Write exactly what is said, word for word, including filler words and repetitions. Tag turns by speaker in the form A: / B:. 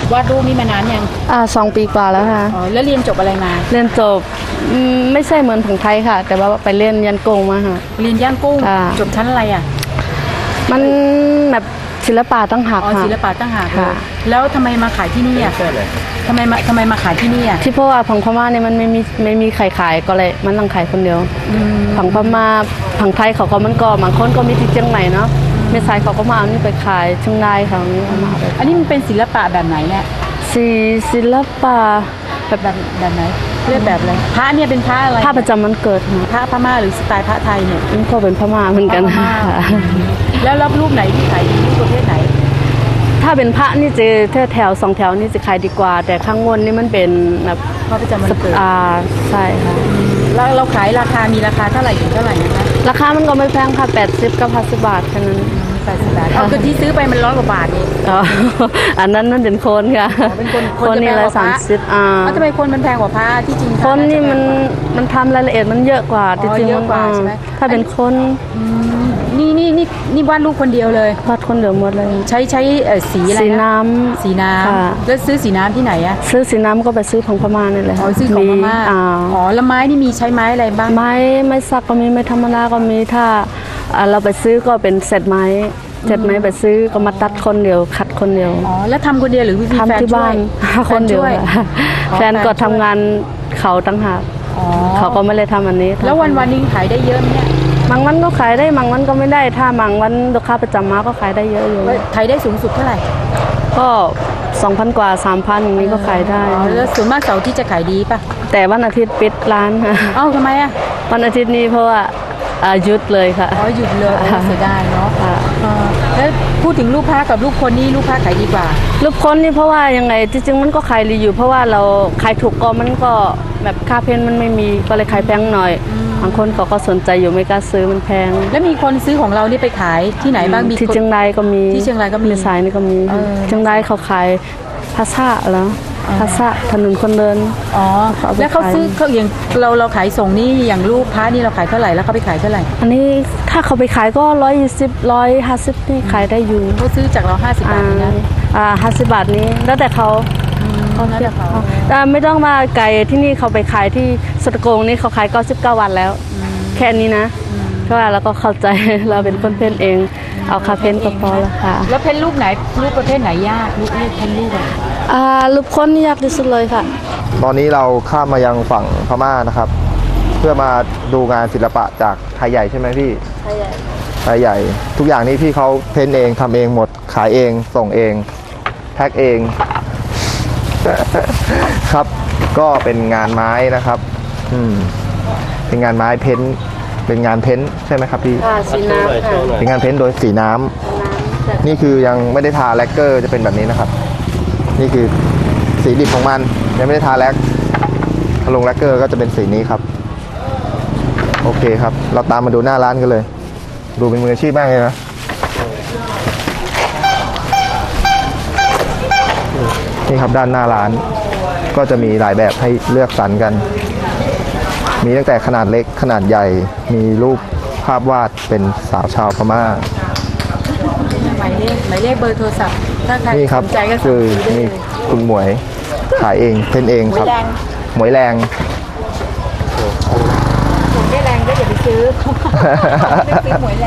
A: วาดรูปนี่มานานยัง
B: อ่าสองปีกว่าแล้วค่ะ
A: อ๋อแล้วเรียนจบอะไรมา
B: เรียนจบไม่ใช่เหมือนของไทยค่ะแต่ว่าไปเรียนยันกงมาค่ะ
A: เรียนย่างกุ้งจบชั้นอะไรอ่ะ
B: มันแบบศิลปะตั้งหาก
A: ค่ะอ๋อศิลปะตั้งหากค่ะแล้วทำไมมาขายที่นี่อ่ะทำไมมาทำไมมาขายที่นี่อ่ะ
B: ที่เพราะว่าผังพม่าเนี่ยมันไม่มีไม่มีใครขายก็เลยมันต้องขายคนเดียวผังพม่าผังไทยเขาก็มันก็บางคนก็มีที่เชียงใหม่เนาะเมษายเขาก็มาเอานี่ไปขายเชียงรายเขานี่เอามา
A: อันนี้มันเป็นศิลปะแบบไหนเนี่ย
B: ศิศิลปะ
A: แบบแบบแบบไหนเรียกแบบอะไรพระเนี่ยเป็นพระอะไร
B: พระประจำมันเกิด
A: พระพม่าหรือสไตล์พระไทยเนี่ย
B: มันก็เป็นพม่าเหมือนกัน
A: แล้วรับรูปไหนที่ขายดีรูปประเภทไหน
B: ถ้าเป็นพระนี่จะแถวแถวสองแถวนี่จะขายดีกว่าแต่ข้างบนนี่มันเป็นแบบ
A: พระประจำวันเกิด
B: อ่าใช่ค่ะ
A: แล้วเราขายราคามีราคาเท่าไหร่ถึงเท่าไหร่นะคะ
B: ราคามันก็ไม่แพงค่ะแปดสิบกับห้าสิบบาทแค่นั้น
A: แปดสิบบาทเอาคือที่ซื้อไปมันร้อยกว่าบาทนี่
B: อ๋ออันนั้นนั่นเป็นคนค่ะ
A: เป็นคน
B: คนนี่ละสามสิบอ่า
A: ทำไมคนมันแพงกว่าพระที่จริง
B: คนนี่มันมันทำรายละเอียดมันเยอะกว่าจริงๆ
A: เยอะกว่าใช่ไหม
B: ถ้าเป็นคน
A: นี่นี่นี่นี่วาดรูปคนเดียวเลยว
B: าดคนเดียวหมดเลย
A: ใช้ใช้สีอะไร
B: สีน้ำ
A: สีน้ำแล้วซื้อสีน้ำที่ไหนอะ
B: ซื้อสีน้ำก็ไปซื้อของพม่านี่แหละ
A: อ๋อซื้อของพม่าอ๋อแล้วไม้นี่มีใช้ไม้อะไรบ้าง
B: ไม้ไม้สักก็มีไม้ธรรมดาก็มีถ้าเราไปซื้อก็เป็นเศษไม้เศษไม้ไปซื้อก็มาตัดคนเดียวขัดคนเดียว
A: อ๋อแล้วทำคนเดียวหรือ
B: ทำที่บ้านคนเดียวแฟนก็ทำงานเขาตั้งหากเขาก็ไม่ได้ทำอันนี้
A: แล้ววันวันนึงขายได้เยอะไหมเนี่ย
B: บางวันก็ขายได้บางวันก็ไม่ได้ถ้าบางวันลูกค้าประจำมาก็ขายได้เยอะอยู่
A: ขายได้สูงสุดเท่าไหร่
B: ก็สองพันกว่าสามพันอย่างนี้ก็ขายได้
A: แล้วส่วนมากเสาร์ที่จะขายดีป่ะ
B: แต่วันอาทิตย์ปิดร้านค่ะ
A: เอ้าทำไมอ่ะ
B: วันอาทิตย์นี้เพราะว่าหยุดเลยค่ะ
A: อ๋อหยุดเลยเสียดายเนาะแล้วพูดถึงลูกค้ากับลูกคนนี่ลูกค้าขายดีกว่า
B: ลูกคนนี่เพราะว่ายังไงจริงๆมันก็ขายดีอยู่เพราะว่าเราขายถูกก็มันก็แบบค่าเพ้นมันไม่มีก็เลยขายแพงหน่อยบางคนเขาก็สนใจอยู่ไม่กล้าซื้อมันแพง
A: แล้วมีคนซื้อของเรานี่ไปขายที่ไหนบ้างมี
B: ที่เชียงรายก็มี
A: ที่เชียงรายก็มี
B: สายนี่ก็มีเชียงรายเขาขายภาษาแล้วภาษาถนนคนเดิน
A: อ๋อแล้วเขาซื้อเขาอย่างเราเราขายส่งนี่อย่างลูกพระนี่เราขายเท่าไหร่แล้วเขาไปขายเท่าไหร่
B: อันนี้ถ้าเขาไปขายก็ร้อยยี่สิบร้อยห้าสิบนี่ขายได้อยู่
A: เขาซื้อจากเราห้าสิบบาทนะ
B: อ่าห้าสิบบาทนี้แล้วแต่เขา
A: เขาเทียบเขา
B: แต่ไม่ต้องมาไกลที่นี่เขาไปขายที่สตโกงนี่เขาขายเก้าสิบเก้าวันแล้วแค่นี้นะเพราะว่าเราก็เข้าใจเราเป็นคนเพ้นเองเอาคาเพ้นก็พอแล้วค่ะ
A: แล้วเพ้นรูปไหนรูปประเภทไหนยากรูปเพ้นรูป
B: อ่ารูปคนนี่ยากที่สุดเลยค่ะ
C: ตอนนี้เราข้ามมายังฝั่งพม่านะครับเพื่อมาดูงานศิลปะจากไทยใหญ่ใช่ไหมพี่
B: ไทยใหญ่
C: ไทยใหญ่ทุกอย่างนี้พี่เขาเพ้นเองทำเองหมดขายเองส่งเองแพ็คเองครับก็เป็นงานไม้นะครับอืมเป็นงานไม้เพ้นเป็นงานเพ้นใช่ไหมครับพี่
B: สีน้ำ
C: เป็นงานเพ้นโดยสีน้ำนี่คือยังไม่ได้ทาแลกเกอร์จะเป็นแบบนี้นะครับนี่คือสีดิบของมันยังไม่ได้ทาแลกถ้าลงแลกเกอร์ก็จะเป็นสีนี้ครับโอเคครับเราตามมาดูหน้าร้านกันเลยดูเป็นมืออาชีพมากเลยนะนี่ครับด้านหน้าร้านก็จะมีหลายแบบให้เลือกสรรกันมีตั้งแต่ขนาดเล็กขนาดใหญ่มีรูปภาพวาดเป็นสาวชาวพม่า
A: หมายเลขหมายเลขเบอร์โทรศัพท์ถ้าใครสนใจก็
C: คือนี่คุณหมวยขายเองเพ้นเองครับหมวยแรง
A: ผมไม่แรงก็อย่าไปซื้อไม่ซื้อหมวย